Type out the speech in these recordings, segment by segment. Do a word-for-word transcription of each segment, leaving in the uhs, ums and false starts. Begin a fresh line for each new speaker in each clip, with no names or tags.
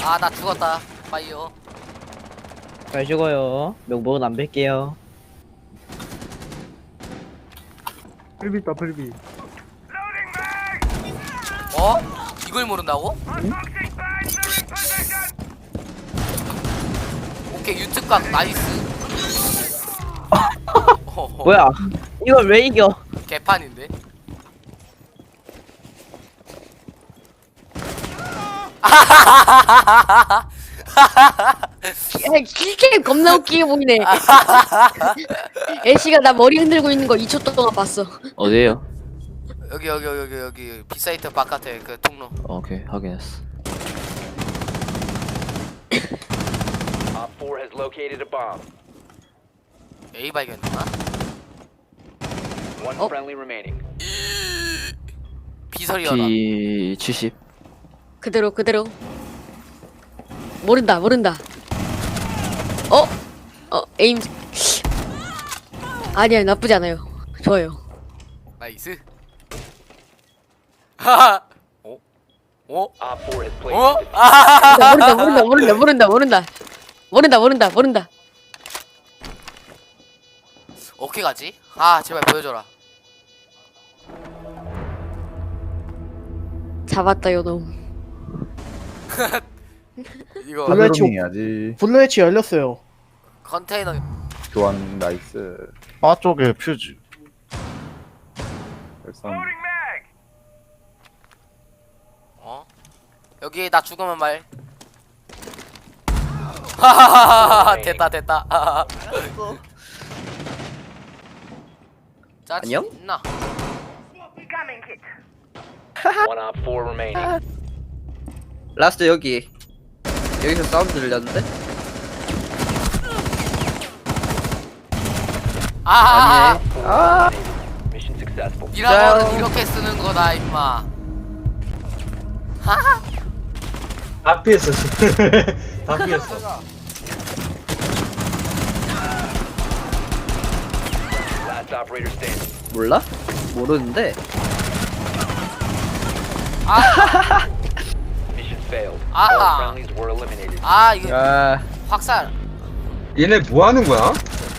아, 나 죽었다. 빠이요.
잘 죽어요. 명복은 안 뵐게요.
풀비 있다 풀비.
어? 이걸 모른다고?
응?
오케이, 유튜브각 나이스. 어허,
뭐야? 이걸 왜 이겨?
개판인데?
킬캠 겁나 웃기게 보이네. 애쉬가 나 머리 흔들고 있는 거 이 초 동안 봤어.
어디에요?
여기 여기 여기 여기 비사이트 바깥에 그 통로.
어, 오케이 확인했어.
Op four has located a bomb.
A 발견했나?
One
Oh.
friendly remaining.
비설이어라.
피 칠십.
그대로 그대로. 모른다 모른다. 어? 어 에임. 아니야 나쁘지 않아요. 좋아요.
나이스. 하하. 어? 어?
Op four has placed.
어?
a defense.
아!
모른다 모른다 모른다 모른다 모른다 모른다 모른다 모른다.
어떻게 가지? 아, 제발 보여줘라.
잡았다 요놈.
이거
블루해치
해야지.
블루해치 열렸어요.
컨테이너.
교환 나이스.
바 쪽에 퓨즈.
일단
어? 여기 나 죽으면 말. 하하하하. 됐다 됐다. 짜증
안녕?
나.
One op four remaining.
라스트 여기. 여기서 사운드 들렸는데?
아,
아,
Mission successful.
미라볼은 이렇게 쓰는 거다 임마. 하하.
다 피했어. 다 피했어.
Last operator standing.
몰라? 모르는데.
아,
Mission failed.
Ah.
All friendlies were eliminated.
아 이거
야
확살.
얘네 뭐 하는 거야?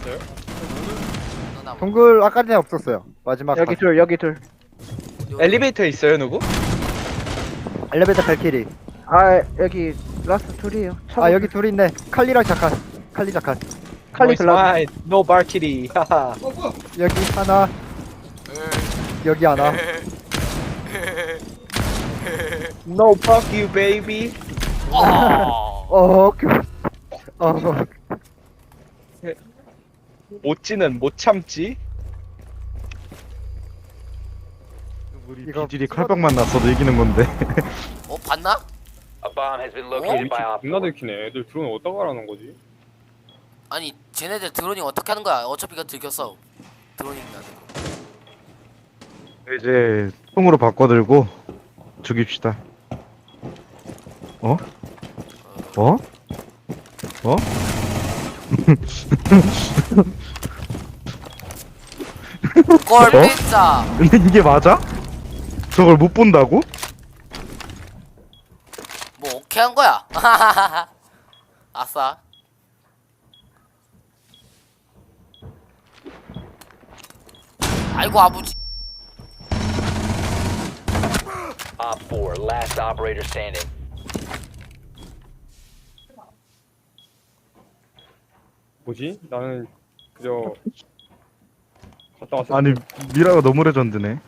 누나 뭐.
동굴 아까 전에 없었어요. 마지막
여기
방.
둘, 여기 둘.
엘리베이터에 있어요 누구?
엘리베이터 발키리.
아, 여기 라스트 둘이에요.
아 여기 둘 있네. 칼리랑 자칸. 칼리 자칸.
칼리 글라.
노 발키리. 하하.
여기 하나. 여기 하나.
No fuck you baby.
어.
어. 그. 어.
못지는 못 참지.
우리
이거
비질이 칼빵만 났어도 이기는 건데.
어 봤나?
A bomb has been located by Op
존나
four.
들키네. 애들 드론 어디다가 하는 거지?
아니 쟤네들 드로닝 어떻게 하는 거야? 어차피 이거 들켰어. 드로닝이다.
이제 통으로 바꿔들고 죽입시다. 어? 어? 어?
꼴
어?
삐짜.
근데 이게 맞아? 저걸 못 본다고?
뭐 오케이 한 거야. 아싸. 아이고 아버지.
Op four, last operator standing.
뭐지? 나는 그저 갔다 왔어.
아니 미라가 너무 레전드네.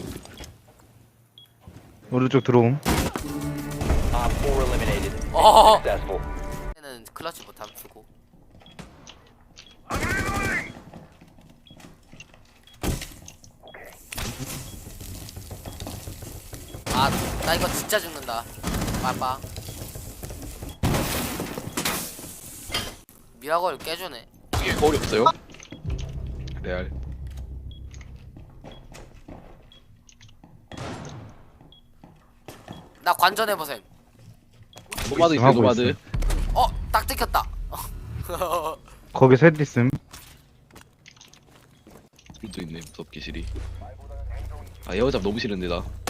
오른쪽 들어옴.
Op four eliminated.
어.
Successful.
는 클러치 못하면 주고. 아, 나 이거 진짜 죽는다. 빠빠. 미라걸 깨주네.
이게 거울이 없어요? 레알.
나 관전해보셈.
노마드 있어요
하고
노마드.
있어요.
어, 딱 찍혔다.
거기 셋 있음.
또 있네 무섭게 실이. 아 에어잡 너무 싫은데 나.